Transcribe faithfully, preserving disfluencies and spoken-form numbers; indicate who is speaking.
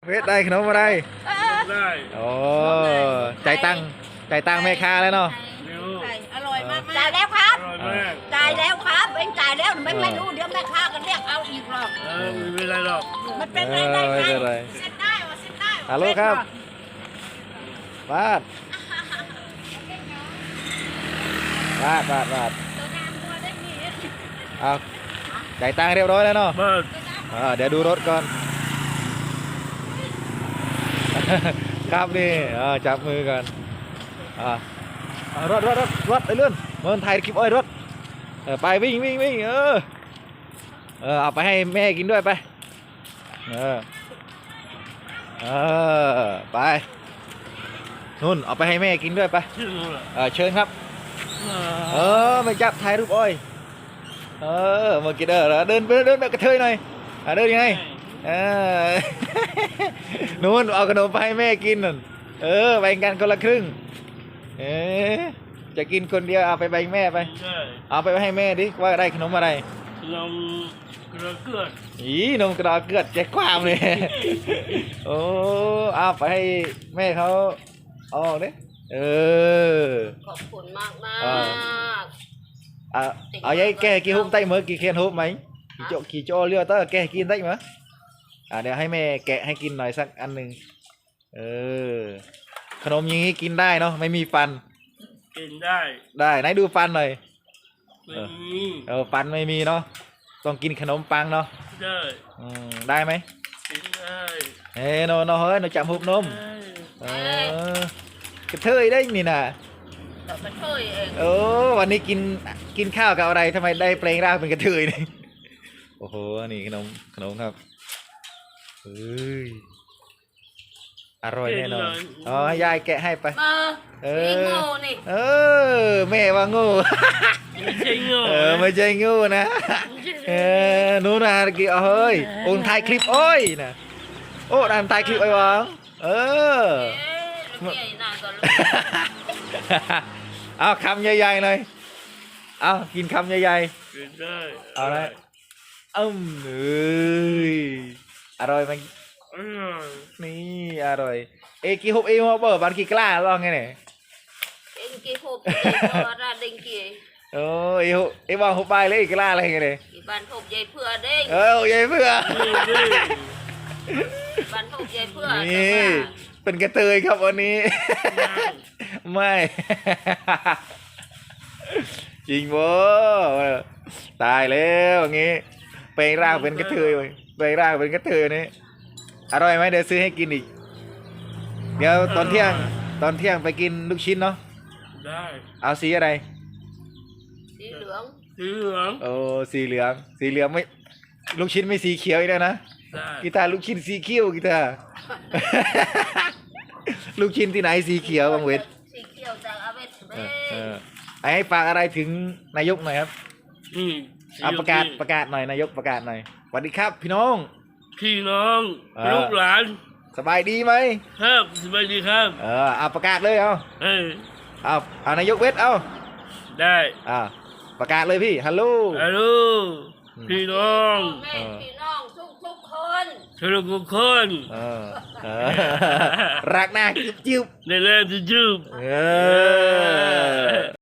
Speaker 1: เวทได้ขนมอะไร
Speaker 2: ได้
Speaker 1: โอ้ใจตังใจตังแม่ค้าแล้วเนาะ
Speaker 3: อร่อยมากจ่ายแล้วครับ
Speaker 2: อร่อยมาก
Speaker 3: จ่ายแล้วครับเองจ่ายแล้วไม่ไม่รู้เดี๋ยวแม่ค้าก็เรียกเอาอีกหรอก
Speaker 2: เออไม่เป็นไรหรอก
Speaker 3: มันเป็นไรได้
Speaker 1: ไม่
Speaker 3: ไง
Speaker 1: เป็นไร
Speaker 3: เซ็นได้วะเซ็นได้วะ
Speaker 1: ฮัลโหลครับบาดบาดบาดบาดเอาจ่ายตังค์เรียบร้อยแล้วเนาะ
Speaker 2: เบิร์ด
Speaker 1: อ่าเดี๋ยวดูรถก่อน ครับนี่อ่าจับมือกันอ่าอ่ารถรถรถรถไปเลื่อนเมืองไทยคลิปอ้อยรถเออไปวิ่งวิ่งวิ่งเออเออเอาไปให้แม่กินด้วยไปเออเออไปนู่นเอาไปให้แม่กินด้วยไป
Speaker 2: ชื่ออะไร
Speaker 1: เออเชิญครับเออไม่จับถ่ายรูปอ้อยเออมากินเด้อเดินไปเดินแบบกระเทยหน่อยอ่ะเดินยังไงเออ นู่นเอาขนมไปให้แม่กินนั่นเออแบ่งกันคนละครึ่งเออจะกินคนเดียวเอาไปแบ่งแม่ไป
Speaker 2: ได้
Speaker 1: เอาไปให้แม่ดิว่าได้ขนมอะไร
Speaker 2: นมกระเกือด
Speaker 1: อีนมกระดาษเกลือดแจกความเลย โอ้เอาไปให้แม่เขาเอาออกดิเออ
Speaker 3: ขอบคุณมากมาก
Speaker 1: à ở đây kè kia hôm tay mới kia khen hôm mấy kỳ chỗ kỳ chỗ liêu tới kè kia tay mà àเดี๋ยวให้แม่แกะให้กินหน่อยสักอันหนึ่งเออขนมอย่างนี้กินได้เนาะไม่มีฟัน
Speaker 2: กินได้
Speaker 1: ได้ไหนดูฟันหน่อย
Speaker 2: ไม่มี
Speaker 1: เออฟันไม่มีเนาะต้องกินขนมปังเนาะ
Speaker 2: ได้
Speaker 1: อืมได้ไหม
Speaker 2: กินได้
Speaker 1: เฮ้โนโนเฮ้ยโนจับหุบนม
Speaker 2: ได้
Speaker 1: เออกระเทยได้นี่น่ะ
Speaker 3: แต่กระเทยเอง
Speaker 1: โอ้วันนี้กินกินข้าวกับอะไรทำไมได้เปลงร่างเป็นกระเทยนี่ โอ้โหนี่ขนมขนมครับเฮ้ยอร่อยแน่นอนอ๋อยายแกะให้ไป
Speaker 3: มา
Speaker 1: เอ
Speaker 3: นี่
Speaker 1: อ
Speaker 3: โง่นี่
Speaker 1: เออแม่ว่างู
Speaker 2: ไม่ใช่โง่
Speaker 1: เออไม่ใช่งูนะเออนู้นนะกี่เฮ้ยโอนถ่ายคลิปโอ้ยนะโอ้ดันถ่ายคลิปไอ้หวังเออ
Speaker 3: เอ๊ะใหญ่หน้าก็รู้
Speaker 1: เอาคำใหญ่ๆหน่อยเอากินคำใหญ่
Speaker 2: กินได้
Speaker 1: ๆเอาละอืมเอ้ยอร่อยไหม
Speaker 2: อร่อย
Speaker 1: นี่อร่อยเอกี่ฮุบเอมาเปิดบันกี่กล้าลองไงเนี่ย
Speaker 3: เอ็งกี่หกเอ็งก็ราดิงกี่
Speaker 1: โอ้เอฮุเอวางฮุบไปเลยอีกกล้าอะไรไงเนี่ย
Speaker 3: กี่บ้านหกใหญ่เพื่อเด้ง
Speaker 1: เออใหญ่เพื่อ
Speaker 2: นี่นี่
Speaker 3: บ้านหกใหญ่เพื่อ
Speaker 1: นี่เป็นกระเทยครับวันนี้ ไม่ จริงบ่ตายแล้วอย่างงี้เปลงร่างเป็นกระเทยเลยเปลงร่างเป็นกระเทยนี่อร่อยไหมเดี๋ยวซื้อให้กินอีก เดี๋ยวตอนเที่ยงตอนเที่ยงไปกินลูกชิ้นเนาะ
Speaker 2: ได้
Speaker 1: เอาสีอะไร
Speaker 3: สีเหลือง
Speaker 2: สีเหลือง
Speaker 1: โอ้สีเหลืองสีเหลืองไม่ลูกชิ้นไม่สีเขียวอีกแล้วนะ
Speaker 2: ได้
Speaker 1: กีตาร์ลูกชิ้นสีเขียวกีตาร์ ลูกชิ้นที่ไหนสีเขียวบางเวท
Speaker 3: สีเขียวจากอาเวสเบ้
Speaker 1: เออไอ้ให้ฝากอะไรถึงนายกหน่อยครับ
Speaker 2: นี่
Speaker 1: เอาประกาศประกาศหน่อยนายกประกาศหน่อยสวัสดีครับพี่น้อง
Speaker 2: พี่น้อง
Speaker 1: เออ
Speaker 2: ลูกหลาน
Speaker 1: สบายดีไหม
Speaker 2: ครับสวัสดีครับ
Speaker 1: เออเอาประกาศเลยเอา
Speaker 2: เอ้ย
Speaker 1: เอาเอานายกเวทเอา
Speaker 2: ได้
Speaker 1: อ่าประกาศเลยพี่ฮัลโหล
Speaker 2: ฮัลโหลพี่น้อง
Speaker 3: แม่พี่น้องทุกทุกๆคน
Speaker 2: ทุกคน
Speaker 1: เออเออรักหน้าจิ๊บจิ๊บ
Speaker 2: ในแรงจะจูบ
Speaker 1: เออ